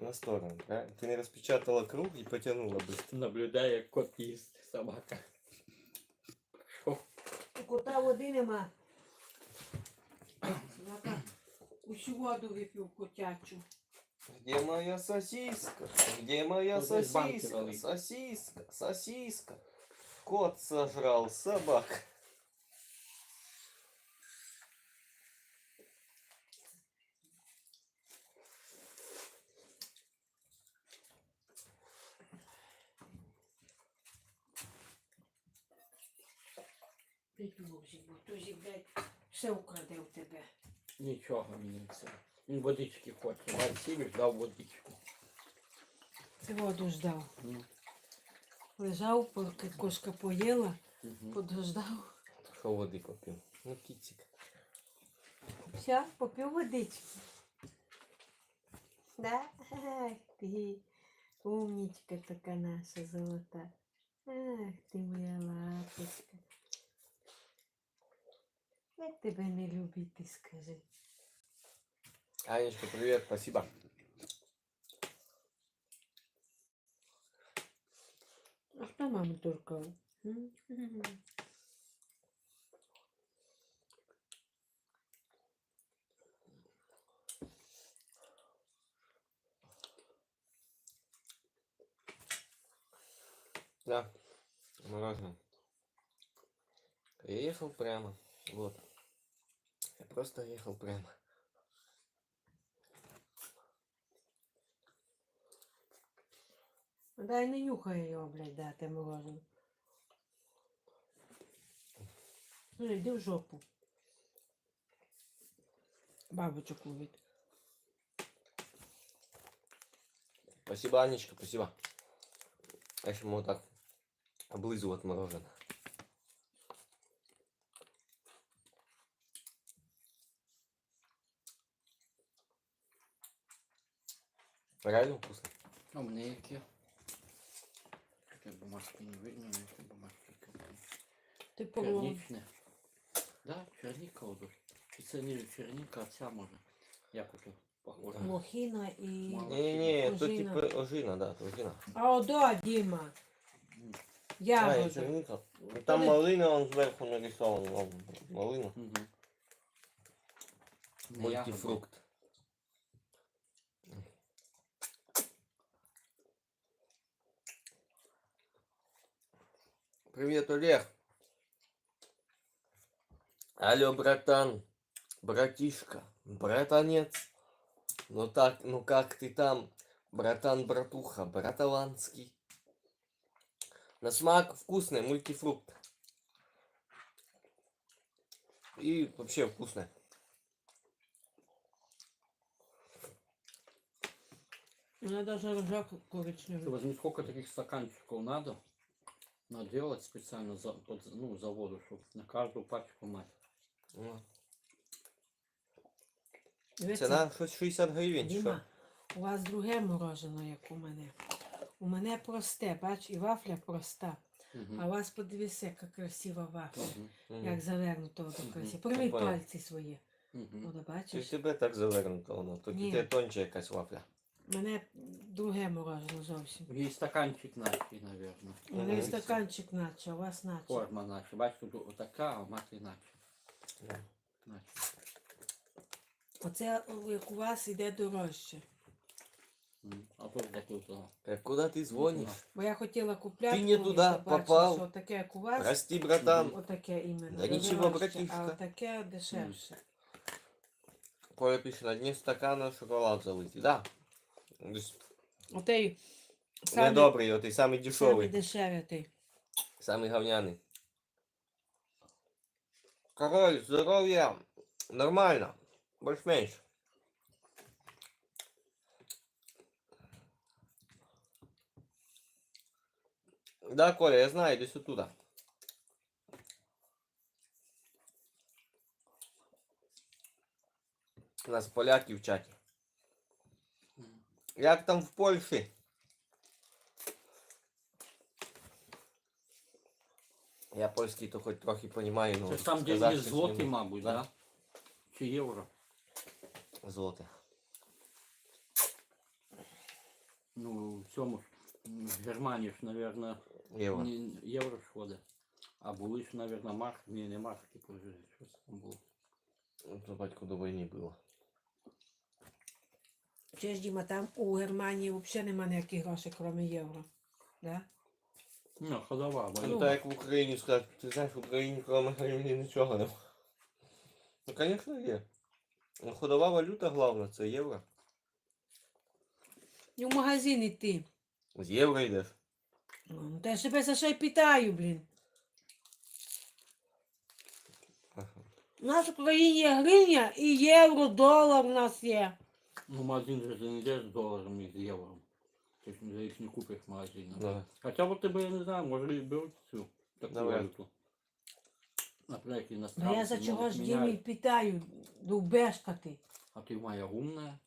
на сторону, правильно? Ты не распечатала круг и потянула быстро. Наблюдає, як кот їсть собака. Що? У кота води нема. Собака усю воду випив котячу. Где моя сосиска? Где моя Вот здесь банки сосиска? налить. Сосиска, сосиска. Кот сожрал собаку. Петь музик, бо то блядь, все украде в тебе. Нічого мені не це. Він водички хоче. Василь дав водичку. Ти воду ждав. Ну. Лежав, поки кошка поїла, Угу. подождав. Что воды попил? Ну, китик. Все, попив водички. Да? Ах ти, умничка така наша золота. Ах ти моя лапочка. Як тебе не любити, скажи. Анечка, привет, спасибо. А хто маму туркав? Да, мороженое. Я ехал прямо, вот. Я просто ехал прямо. Дай не нюхай його, блядь, дати морожене. Ну, йди в жопу. Бабочок ловить. Спасибо, Анечка, спасибо. Я еще могу так облизывать мороженое. Реально вкусно. А в мене які? Такі бумажки не видно, які бумажки. Ти пробував? Черничне. Да, черника одуть. Чи це не черника, а ця може. Як ото похоже. Лохіна і... Не-не, это Ожина. типа ожина, да, это ожина. А одо, Діма. Ягода. черника. Там малина, он сверху нарисован. Вон, малина. Угу. Не ягода. Мультифрукт. Привет, Олег. Алло, братан, братишка, братанец. Ну так, ну как ты там, братан, братуха, браталанский. На смак вкусный мультифрукт. И вообще вкусный. Вона даже рожок Ты коричневий. возьми, сколько таких стаканчиков надо наделать специально ну, за воду, чтобы на каждую пачку мать. Ну, Дивіться, Ціна щось 60 гривень. Що? Діма, у вас друге мороженое, як у мене. У мене просте, бач, і вафля проста. А у вас подивися, яка красива вафля. Як завернуто до красиво. Прийми Понял. пальці свої. От, Чи бачиш? в тебе так завернуто воно? Тут Ні. іде тонче якась вафля. У мене друге мороженое зовсім. И стаканчик наче, наверное. У мене Мгм. стаканчик наче, а у вас наче. Форма наче. Бачиш, тут вот такая, а мать иначе. Да. Наче. Оце, як у вас, іде дорожче. А тут такой то. Куди ти дзвониш? Бо я хотіла купляти, Ти не колись, туди я бачила, попав. що таке, як у вас, Прости, братан. отаке іменно. Да нічого, дорожче, братішка. А таке дешевше. Коля пише, на дні стакана шоколад залитий. Да. Отей самий, Недобрий, отий самий самий дешевий. дешевий отей. Самый говняный. Король, здоровья. Нормально. Больше-меньше. Да, Коля, я знаю, иди сюда. У нас поляки в чаті. Як там в Польщі? Я польський то хоч трохи понімаю, Це ну ж там, де сказати є щось злоті, не можу. мабуть, Да. да? Чи євро? Злоте. Ну, в цьому ж в Германії ж, мабуть, Євро. євро ж ходить. А були ж, мабуть, марки. Ні, не марки, типу, щось там було. Це батько до війни було. Чи ж, Діма, там у Германії взагалі нема ніяких грошей, крім євро. Да? Ну, ходова, бо Ну так як в Україні сказати, ти знаєш, в Україні крім гривні нічого нема. Ну, звісно, є. Ну, ходова валюта головна, це євро. І в магазин йти. З євро йдеш. Ну, та я себе за що й питаю, блін. У нас в Україні є гривня і євро, долар у нас є. ну, магазин же не йдеш з доларом і з євро. Ти ж за їх не купиш в магазині. Да. Хоча б тебе, я не знаю, може і беруть цю таку Давай. валюту. Наприклад, Да іностранці я за чого можуть ж міняти. Дімі питаю, довбешка ти. А ти моя умная.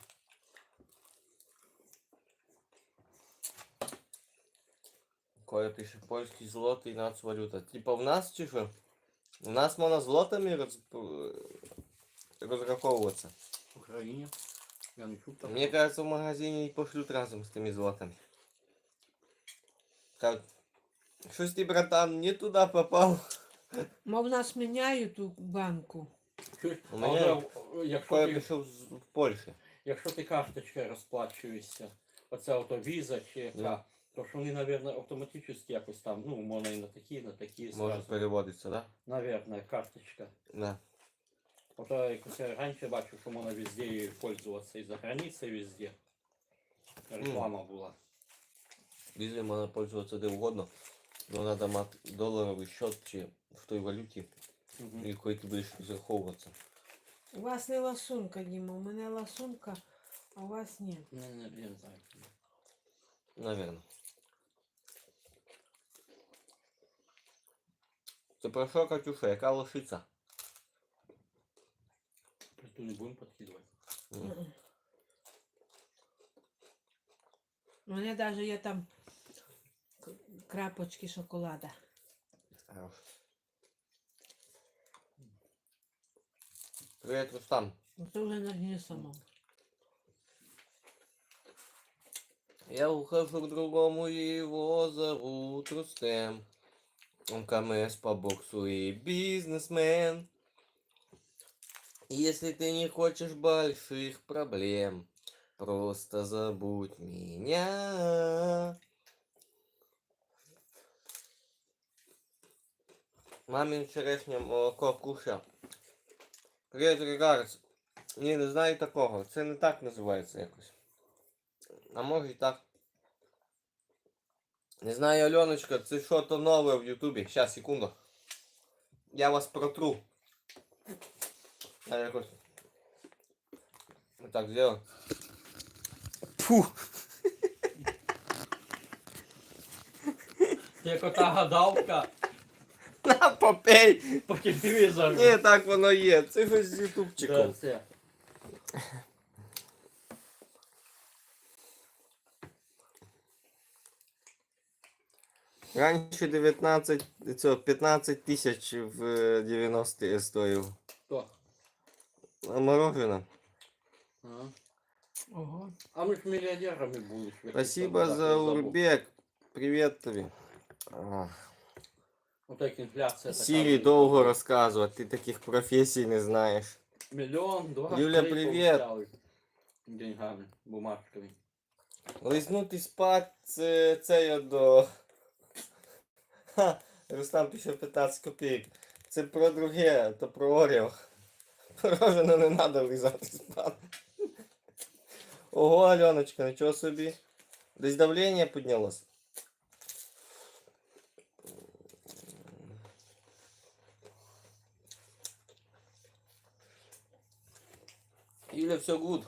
Коля пише польський злотий нацвалюта. Типа в нас чи що? У нас можна злотами розраховуватися. В Україні. Я не чув такого. Мне кажется, в магазине и пошлют разом с теми злотами. Как? Щось ти, братан, не туда попал. Мов нас міняють у банку. Чуєш? У А мене вже, якщо Коля ти, пішов в Польщі. якщо ти карточкою розплачуєшся, оце ото віза чи яка, Да. то ж вони, мабуть, автоматично якось там, ну, можна і на такі Може зразу. переводиться, да? Наверное, карточка. Да. Ото якось я раніше бачив, що можна везде її пользуватися і за границею везде. Реклама була. Візою можна пользуватися де угодно. Но надо мати доларовий счет чи в той валюті, Угу. якою ти будеш розраховуватися. У вас не ласунка, Діма, у мене ласунка, а у вас ні. Я не знаю. Наверно. Це про що, Катюша? Яка лошиця? Ту не будемо підкидувати. У мене навіть є там крапочки шоколада. Хорош. Привет, Рустам. Це вже на дні самому. Я ухожу к другому, его зовут Рустем. Он КМС по боксу и бизнесмен. Если ты не хочешь больших проблем, просто забудь меня. Мамин вчорашнє молоко кушав. Привет, Регардс. Ні, не знаю такого. Це не так називається якось. А може і так. Не знаю, Альоночка, це що то нове в Ютубі. Щас, секунду. Я вас протру. Я якось... Вот так сделаю. Фу! Це як ота гадалка На, попей! по телевізору. Ні, так воно є. Це щось з Да, ютубчиком. це. Раніше 19, це 15 тисяч в 90-ті стоїв. Хто? А мороженое. Ага. Ого. А ми ж мільйонерами були. Спасибо за Урбек. Привет тобі. А, Отак інфляція така. Сірі довго розказувати, ти таких професій не знаєш. Мільйон, два, Юля, три привіт. повстали деньгами, бумажками. Лизнути спать це я до... Ха, Рустам пише 15 копійок. Це про друге, то про Оріо. Мороженое не треба лизати спати. Ого, Альоночка, нічого собі. Десь давлення піднялось. Юля, все гуд.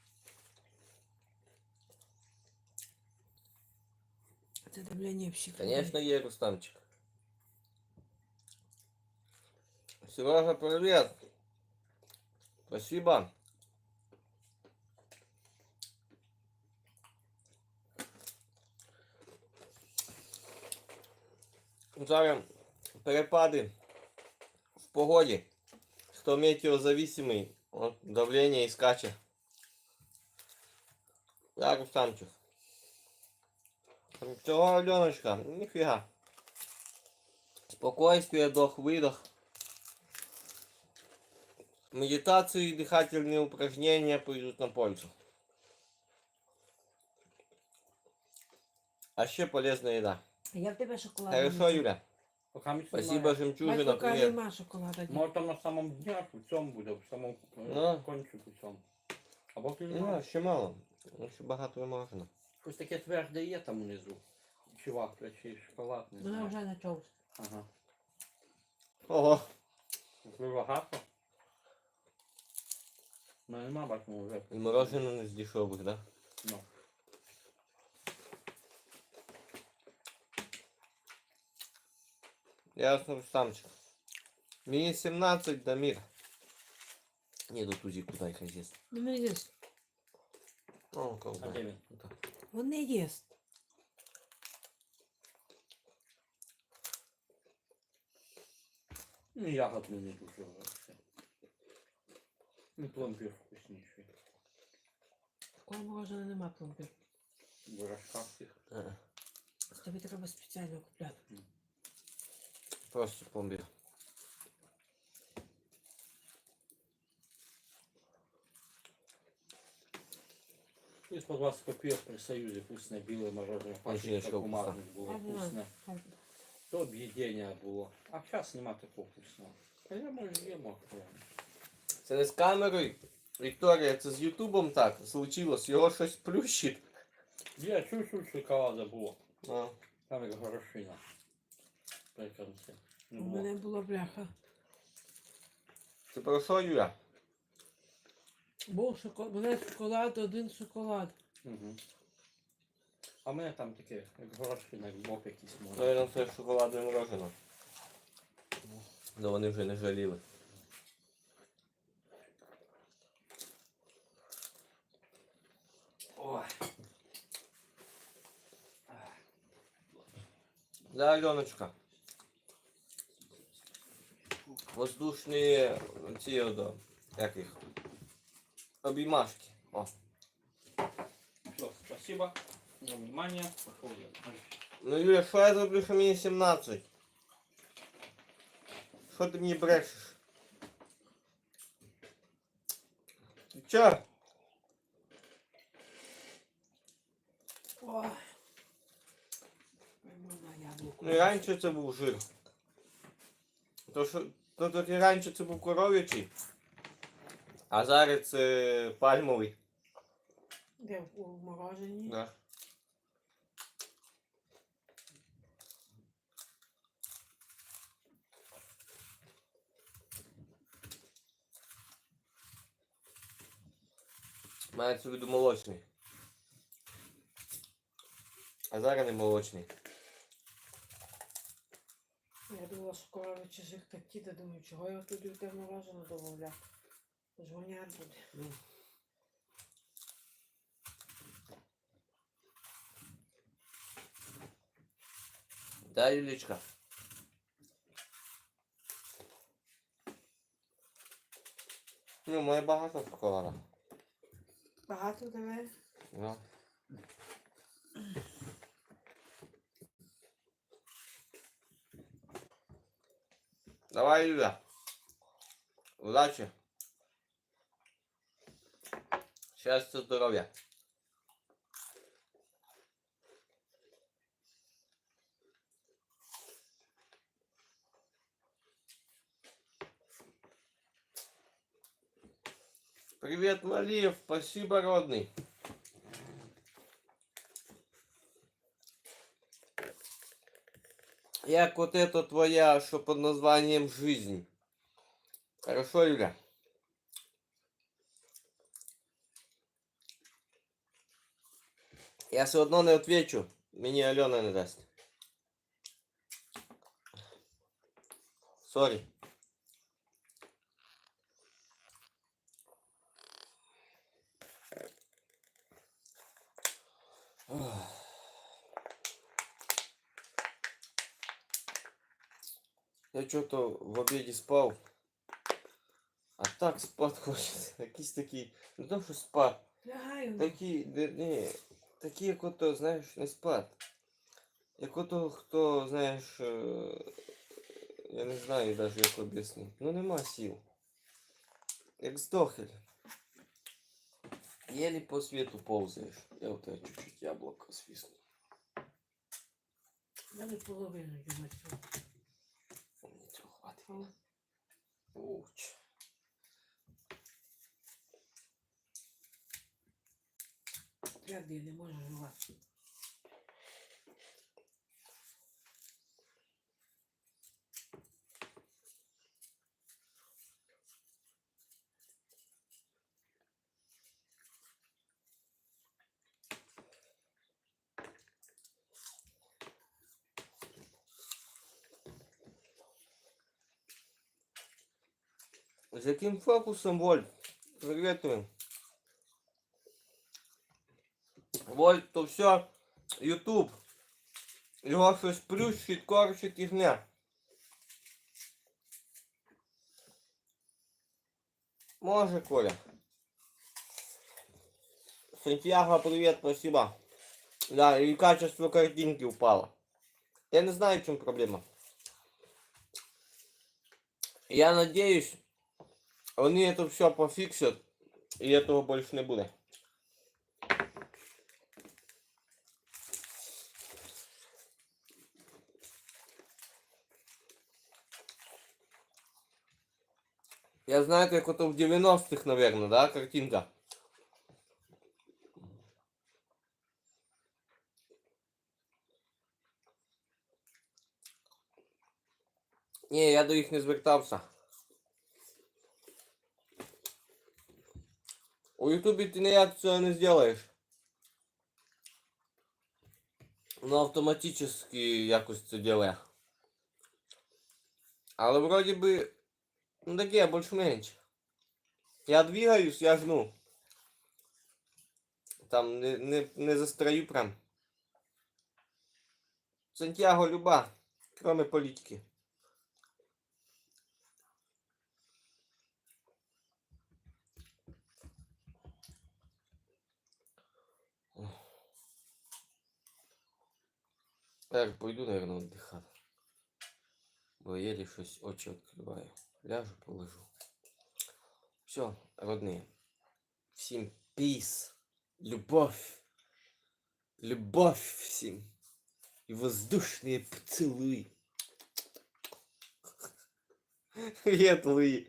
Це давлення в щеках. Конечно, є, Рустамчик. Сережа, привет. Спасибо. Зараз перепади в погоді. Хто метеозависимий, от давлення і скаче. Так, Рустамчик. Всього, Альоночка, ніфіга. Спокойствие, вдох-выдох. Медитации и дыхательные упражнения пойдут на пользу. А ще полезная еда. Я в тебе шоколад. Хорошо, Юля? Пока ми Спасибо, немає. жемчужина, Бачу, каже, привет. нема шоколада. Може там на самому дня, в цьому буде, в самому Ну. кончику цьому. Або ти Ну, немає. ще мало. Ще багато не можна. Щось таке тверде є там внизу. Чи вафля, чи шоколад, не Вона знаю. вже почався. Ага. Ого. Ви багато? Ну нема, бачимо вже. І мороженое не з дешевих, да? Ну. Ясно, Рустамчик. Мені 17, Дамир. Не, до тузі куди їх їсть. Ну, не їсть. О, А колбай. де він? Він не їсть. Ну, ягодний не дуже вообще. Ну, пломбір вкусніший. Такого мороженого нема пломбір. В рожках тих. Тобі треба спеціально купляти. Просто пломбир. Из по 20 копеек при Союзе вкусное белое мороженое. Очень Пачечка вкусно. бумажных было А, да. вкусное. То объедение было. А сейчас нема такого вкусного. А я може їмо. Це не з камерою. Вікторія, це з Ютубом так случилось. Його щось плющить. Я чуть-чуть шоколада було. А. Там як горошина. При конці. Не У було. мене була бляха. Це про що, Юля? Був шоколад, мене шоколад, один шоколад. Угу. А в мене там таке, як горошина, як бок якийсь може. Наверно, це шоколадне мороженое. Ну вони вже не жаліли. Ой. Да, Аленочка. Воздушні ці одо, як їх? Обіймашки. О. Все, спасибо за внимание. Пошел я. Ну, Юля, що я зроблю, що мені 17? Що ти мені брешеш? Ти чо? Ой. Пойму на яблуко. Ну і раніше це був жир. То і раніше це був коров'ячий, а зараз це пальмовий. Де у морожені? Да. Мається в виду молочний. А зараз не молочний. Я думала, що коровичі жир такі, та думаю, чого я туди в те морожене додавляв. Жгонять буде. Да, Юлечка? Ну, має багато шоколада. Багато тебе? Ну. Давай, Юля. Удачи. Счастья, здоровья. Привет, Малиев. Спасибо, родный. Як вот это твоя, что под названием «Жизнь». Хорошо, Юля? Я все одно не отвечу. Мені Альона не дасть. Сорі. Я что-то в обеде спал. А так спать хочеться. Якісь такі. Не то, що спать. Лягаю. Такі, не, такі, як ото, знаєш, не спать. Як ото хто, знаєш, я не знаю навіть як об'яснити. Ну нема сил. Як здохель. Еле по свету ползаешь. Я вот это чуть-чуть яблоко свистну. Я не половину їм цього. Ничего, хватит. Уч. Твердий не можу жувати. З яким фокусом, Вольт? Приветствую. Вольт, то все YouTube. Його щось плющить, корчить і гне. Може, Коля. Сантьяго, привет, спасибо. Да, и качество картинки упало. Я не знаю, в чем проблема. Я надеюсь, они это все пофиксят, и этого больше не будет. Я знаю, как это в 90-х, наверное, да, картинка. Не, я до них не звертався. У Ютубі ти ніяк цього не зробиш. Воно автоматично якось це робить. Але вроді би, ну таке, більш-менш. Я двигаюсь, я жну. Там не застрою прям. Сантьяго люба, кроме політики. Так, пойду, наверное, отдыхать. Бо еле щось очі відкриваю. Ляжу, полежу. Все, родные. Всім peace. Любовь. Любовь всім. И воздушные поцелуи. Привет, Луи.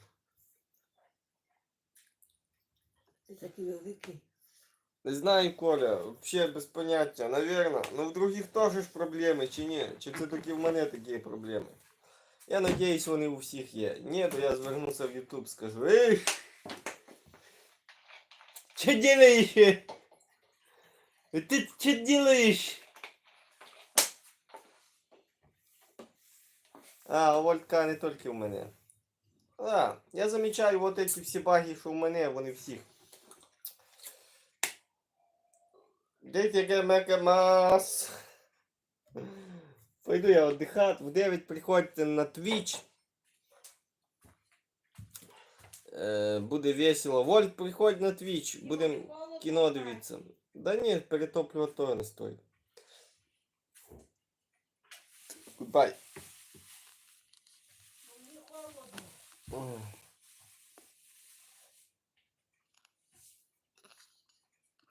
Ти такий великий. Не знаю, Коля, вообще без поняття, наверное. Но в других тоже ж проблеми, чи ні? Чи це тільки в мене такі проблеми? Я надіюсь, вони у всіх є. Ні, то я звернуся в YouTube, скажу: эй, что делаешь? Ты что делаешь? А, у Вольтка не тільки в мене. А, я замічаю вот эти всі баги, що в мене, вони всіх. Дети Макамас. Пойду я отдыхать. В 9 приходите на Twitch. Буде весело. Вольт, приходь на Twitch. Будем кіно дивитися. Да ні, перетоплювати то не стоїть. Goodbye. Мені холодно.